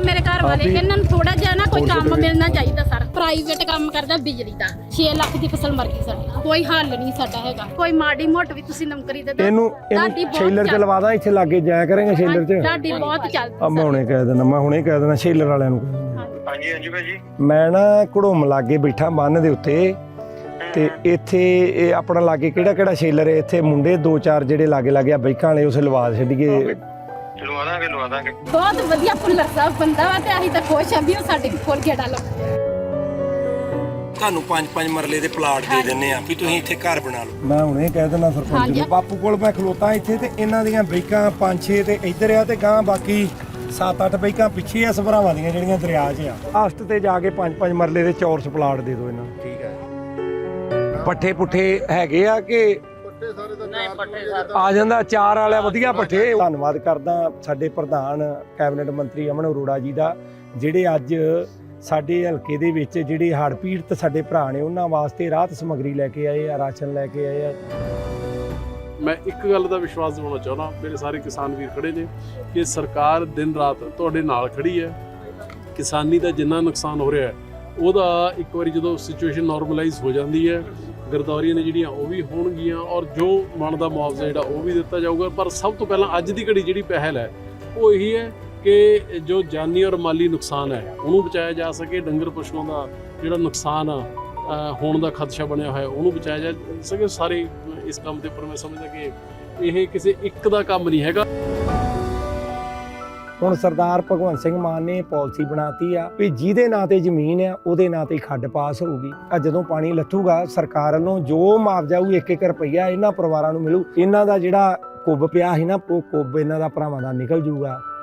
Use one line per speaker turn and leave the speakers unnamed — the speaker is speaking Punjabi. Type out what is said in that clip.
ਮੇਰੇ ਘਰ ਵਾਲੇ ਇਹਨਾਂ ਨੂੰ ਥੋੜਾ ਜਿਹਾ ਨਾ ਕੋਈ ਕੰਮ ਮਿਲਣਾ ਚਾਹੀਦਾ ਸਰ। ਪ੍ਰਾਈਵੇਟ ਕੰਮ ਕਰਦਾ ਬਿਜਲੀ ਦਾ 6 ਲੱਖ ਦੀ ਫਸਲ ਮਰ ਗਈ ਸਾਡੀ, ਕੋਈ ਹੱਲ ਨਹੀਂ ਸਾਡਾ ਹੈਗਾ। ਕੋਈ ਮਾੜੀ ਮੋਟ ਵੀ ਤੁਸੀਂ ਨੌਕਰੀ ਦੇ ਦਿਓ।
ਇਹਨੂੰ ਸ਼ੇਲਰ ਚ ਲਵਾ ਦਾਂ, ਇੱਥੇ ਲਾਗੇ ਜਾਇਆ ਕਰਾਂਗੇ ਸ਼ੇਲਰ ਚ।
ਸਾਡੀ ਬਹੁਤ ਚੱਲਦੀ।
ਮੈਂ ਹੁਣੇ ਕਹਿ ਦੇਣਾ, ਮੈਂ ਹੁਣੇ ਕਹਿ ਦੇਣਾ ਸ਼ੇਲਰ ਵਾਲਿਆਂ ਨੂੰ।
ਹਾਂਜੀ ਹਾਂਜੀ ਭਾਜੀ।
ਮੈਂ ਨਾ ਘੜੋਮ ਲਾਗੇ ਬੈਠਾ ਬੰਨ ਦੇ ਉੱਤੇ, ਤੇ ਇੱਥੇ ਇਹ ਆਪਣਾ ਲਾਗੇ ਕਿਹੜਾ ਸ਼ੇਲਰ ਹੈ? ਇੱਥੇ ਮੁੰਡੇ 2-4 ਜਿਹੜੇ ਲਾਗੇ ਆ ਬਾਈਕਾਂ ਵਾਲੇ, ਉਸ ਲਵਾ ਛੱਡੀਏ।
ਲਵਾ ਦਾਂਗੇ।
ਬਹੁਤ ਵਧੀਆ ਭੁੱਲਰ ਸਾਹਿਬ ਬੰਦਾ ਵਾ, ਤੇ ਅਸੀਂ ਤਾਂ ਖੁਸ਼ ਆਂ ਵੀ ਉਹ ਸਾਡੇ ਕੋਲ ਗੇੜਾ ਲਾਉਂਦਾ।
ਤੁਹਾਨੂੰ 5-5 ਮਰਲੇ ਦੇ ਪਲਾਟ ਦੇ ਦਿੰਨੇ ਆ ਵੀ ਤੁਸੀਂ ਇੱਥੇ ਘਰ ਬਣਾ ਲਓ। ਮੈਂ ਹੁਣੇ ਕਹਿ ਦਿੰਦਾ ਸਰਪੰਚ ਨੂੰ, ਬਾਪੂ ਕੋਲ ਮੈਂ ਖਲੋਤਾ ਇੱਥੇ, ਤੇ ਇਹਨਾਂ ਦੀਆਂ ਬਾਈਕਾਂ 5-6 ਤੇ ਇੱਧਰ ਆ, ਤੇ ਗਾਂ ਬਾਕੀ 7-8 ਬਾਈਕਾਂ ਪਿੱਛੇ ਆ ਸਭਰਾਵਾਂ ਦੀਆਂ ਜਿਹੜੀਆਂ ਦਰਿਆ 'ਚ ਆ। ਆਸਟ ਤੇ ਜਾ ਕੇ 5-5 ਮਰਲੇ ਦੇ ਚੌਰਸ ਪਲਾਟ ਦੇ ਦਿਓ ਇਹਨਾਂ ਨੂੰ। ਠੀਕ ਹੈ। ਪੱਠੇ ਪੁੱਠੇ ਹੈਗੇ ਆ ਕਿ ਆ ਜਾਂਦਾ? ਚਾਰ ਵਾਲਾ ਵਧੀਆ ਪੱਠੇ। ਧੰਨਵਾਦ ਕਰਦਾ ਸਾਡੇ ਪ੍ਰਧਾਨ ਕੈਬਨਿਟ ਮੰਤਰੀ ਅਮਨ ਅਰੋੜਾ ਜੀ ਦਾ, ਜਿਹੜੇ ਅੱਜ ਸਾਡੇ ਹਲਕੇ ਦੇ ਵਿੱਚ ਜਿਹੜੇ ਹੜ੍ਹ ਪੀੜਤ ਸਾਡੇ ਭਰਾ ਨੇ ਉਹਨਾਂ ਵਾਸਤੇ ਰਾਹਤ ਸਮੱਗਰੀ ਲੈ ਕੇ ਆਏ ਆ, ਰਾਸ਼ਨ ਲੈ ਕੇ ਆਏ ਆ।
ਮੈਂ ਇੱਕ ਗੱਲ ਦਾ ਵਿਸ਼ਵਾਸ ਦਿਵਾਉਣਾ ਚਾਹੁੰਦਾ, ਮੇਰੇ ਸਾਰੇ ਕਿਸਾਨ ਵੀਰ ਖੜੇ ਨੇ ਕਿ ਸਰਕਾਰ ਦਿਨ ਰਾਤ ਤੁਹਾਡੇ ਨਾਲ ਖੜੀ ਹੈ। ਕਿਸਾਨੀ ਦਾ ਜਿੰਨਾ ਨੁਕਸਾਨ ਹੋ ਰਿਹਾ ਹੈ ਉਹਦਾ ਇੱਕ ਵਾਰੀ ਜਦੋਂ ਸਿਚੁਏਸ਼ਨ ਨਾਰਮਲਾਈਜ਼ ਹੋ ਜਾਂਦੀ ਹੈ, ਗਰਦੌਰੀਆਂ ਨੇ ਜਿਹੜੀਆਂ ਉਹ ਵੀ ਹੋਣਗੀਆਂ, ਔਰ ਜੋ ਬਣਦਾ ਮੁਆਵਜ਼ਾ ਜਿਹੜਾ ਉਹ ਵੀ ਦਿੱਤਾ ਜਾਊਗਾ। ਪਰ ਸਭ ਤੋਂ ਪਹਿਲਾਂ ਅੱਜ ਦੀ ਘੜੀ ਜਿਹੜੀ ਪਹਿਲ ਹੈ ਉਹ ਇਹੀ ਹੈ ਕਿ ਜੋ ਜਾਨੀ ਔਰ ਮਾਲੀ ਨੁਕਸਾਨ ਹੈ ਉਹਨੂੰ ਬਚਾਇਆ ਜਾ ਸਕੇ। ਡੰਗਰ ਪਸ਼ੂਆਂ ਦਾ ਜਿਹੜਾ ਨੁਕਸਾਨ ਹੋਣ ਦਾ ਖਦਸ਼ਾ ਬਣਿਆ ਹੋਇਆ ਉਹਨੂੰ ਬਚਾਇਆ ਜਾ ਸਕੇ। ਸਾਰੇ ਇਸ ਕੰਮ ਦੇ ਉੱਪਰ ਮੈਂ ਸਮਝਦਾ ਕਿ ਇਹ ਕਿਸੇ ਇੱਕ ਦਾ ਕੰਮ ਨਹੀਂ ਹੈਗਾ।
ਹੁਣ ਸਰਦਾਰ ਭਗਵੰਤ ਸਿੰਘ ਮਾਨ ਨੇ ਪਾਲਿਸੀ ਬਣਾਤੀ ਆ ਵੀ ਜਿਹਦੇ ਨਾਂ ਤੇ ਜ਼ਮੀਨ ਆ ਉਹਦੇ ਨਾਂ ਤੇ ਖੱਡ ਪਾਸ ਹੋਊਗੀ। ਆ ਜਦੋਂ ਪਾਣੀ ਲੱਥੂਗਾ ਸਰਕਾਰ ਵੱਲੋਂ ਜੋ ਮੁਆਵਜ਼ਾ ਹੋਊ 1-1 ਰੁਪਈਆ ਇਹਨਾਂ ਪਰਿਵਾਰਾਂ ਨੂੰ ਮਿਲੂ। ਇਹਨਾਂ ਦਾ ਜਿਹੜਾ ਕੁੱਬ ਪਿਆ ਸੀ ਨਾ, ਉਹ ਕੁੱਬ ਇਹਨਾਂ ਦਾ ਭਰਾਵਾਂ ਦਾ ਨਿਕਲ ਜੂਗਾ।